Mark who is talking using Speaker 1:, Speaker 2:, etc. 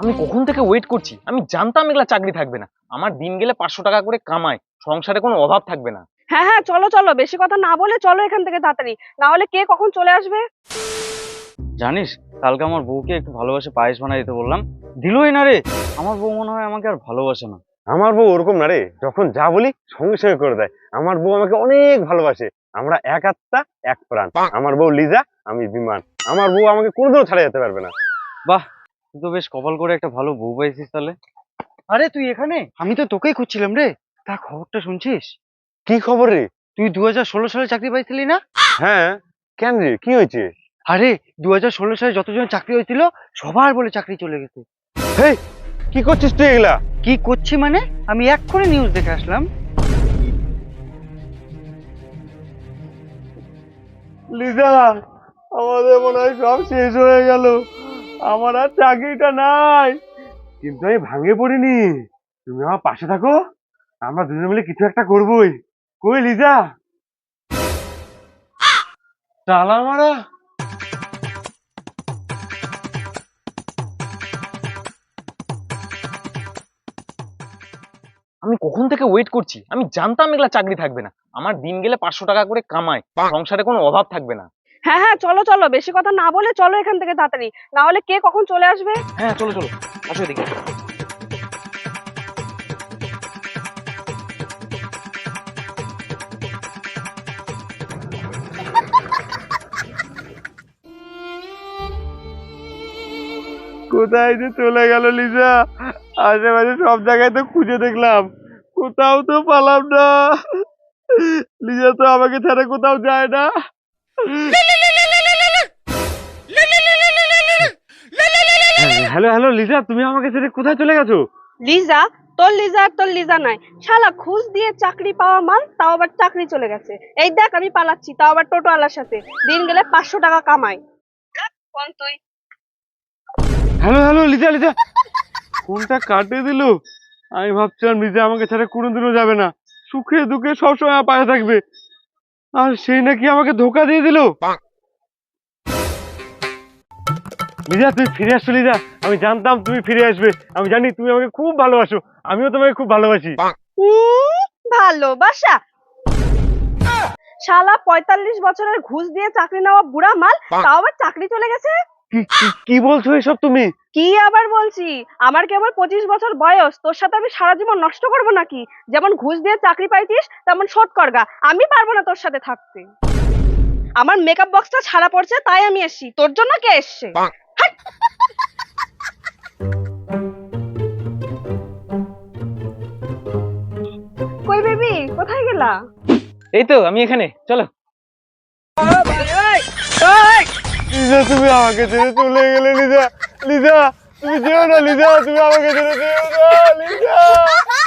Speaker 1: আমি কখন থেকে ওয়েট করছি। আমি জানতাম এগুলা চাকরি থাকবে না। আমার দিন গেলে 500 টাকা করে কামাই, সংসারে কোনো অভাব থাকবে না।
Speaker 2: হ্যাঁ হ্যাঁ, চলো চলো, বেশি কথা না বলে চলো এখান থেকে তাড়াতাড়ি, না হলে কে কখন চলে আসবে।
Speaker 3: জানিস, কালকে আমার বউকে একটু ভালোবাসে পায়েস বানাই দিতে বললাম, দিলই না রে। আমার বউ মনে হয় আমাকে আর ভালোবাসে না।
Speaker 4: আমার বউ ওরকম না রে, যখন যা বলি সঙ্গে সঙ্গে করে দেয়। আমার বউ আমাকে অনেক ভালোবাসে। আমরা এক আত্মা এক প্রাণ। আমার বউ লিজা, আমি বিমান। আমার বউ আমাকে কোনোদিনও ছাড়া যেতে পারবে না।
Speaker 3: বাহ, তুই তো বেশ কপাল করে একটা ভালো বউ পাইছিস তাহলে। আরে তুই এখানে? আমি তো তোকেই খুঁজছিলাম রে। তা খবরটা শুনছিস?
Speaker 4: কি খবর রে?
Speaker 3: তুই 2016 সালে চাকরি পাইছিলি না?
Speaker 4: হ্যাঁ, কেন রে, কি হয়েছে?
Speaker 3: আরে 2016 সালে যতজন চাকরি হয়েছিল সবার বলে চাকরি চলে গেছে।
Speaker 4: হেই, কি করছিস তুই এগুলা?
Speaker 3: কি করছি মানে? আমি এক্ষুনি নিউজ দেখে আসলাম।
Speaker 4: লিজা, আমাদের মনে হয় সব শেষ হয়ে গেল। আমার আর চাকরিটা নাই। কিন্তু আমি ভাঙে পড়িনি। তুমি আমার পাশে থাকো, আমরা দুজনে মিলে কিছু একটা করবোই। কই লিজা? তালা মারা।
Speaker 1: আমি কখন থেকে ওয়েট করছি। আমি জানতাম এগুলা চাকরি থাকবে না। আমার দিন গেলে 500 টাকা করে কামাই, সংসারে কোনো অভাব থাকবে না।
Speaker 2: হ্যাঁ হ্যাঁ, চলো চলো, বেশি কথা না বলে চলো এখান থেকে তাড়াতাড়ি, না হলে কে কখন চলে আসবে।
Speaker 1: হ্যাঁ চলো চলো, আসো এদিকে।
Speaker 4: কোথায় যে চলে গেল লিজা? আশেপাশে সব জায়গায় তো খুঁজে দেখলাম, কোথাও তো পেলাম না। লিজা তো আমাকে ছাড়া কোথাও যায় না। হ্যালো হ্যালো লিজা, তুমি আমাকে ছেড়ে কোথায় চলে গেছো?
Speaker 2: লিজা? তোর লিজা আর তোর লিজা নাই, শালা ঘুষ দিয়ে চাকরি পাওয়া মাল, তাও আবার চাকরি চলে গেছে। এই দেখ আমি পালাচ্ছি, তাও আবার টোটোওয়ালার সাথে, দিন গেলে 500 টাকা কামাই। কোন তুই?
Speaker 4: হ্যালো হ্যালো লিজা লিজা, ফোনটা কাটে দিল। আমি ভাবছিলাম লিজা আমাকে ছাড়া কোনোদিনও যাবে না, সুখে দুঃখে সবসময় আমার পাশে থাকবে। আর সেই নাকি আমাকে ধোকা দিয়ে দিল। লিজা, তুমি ফিরে আসছো লিজা। আমি জানতাম তুমি ফিরে আসবে। আমি জানি তুমি আমাকে খুব ভালোবাসো, আমিও তোমাকে খুব ভালোবাসি।
Speaker 2: ভালোবাসা? শালা 45 বছরের ঘুষ দিয়ে চাকরি নেওয়া বুড়া মাল, তাও আবার চাকরি চলে গেছে।
Speaker 4: কি বলছো এসব তুমি?
Speaker 2: কি আবার বলছি, আমার কেবল 25 বছর বয়স, তোর সাথে আমি সারা জীবন নষ্ট করবো নাকি? যেমন ঘুষ দিয়ে চাকরি পাইছিস তেমন শোধ করগা। আমি পারবো না তোর সাথে থাকতে। আমার মেকআপ বক্সটা ছাড়া পড়ছে, তাই আমি এসছি। তোর জন্য কে এসছে? হাট! কই বেবি, কোথায় গেলা?
Speaker 1: এই তো আমি এখানে, চলো।
Speaker 4: লিজা, তুমি আমাকে ছেড়ে চলে গেলে। লিজা লিজা, তুমি যেও না লিজা, তুমি আমাকে ছেড়ে যেও না লিজা।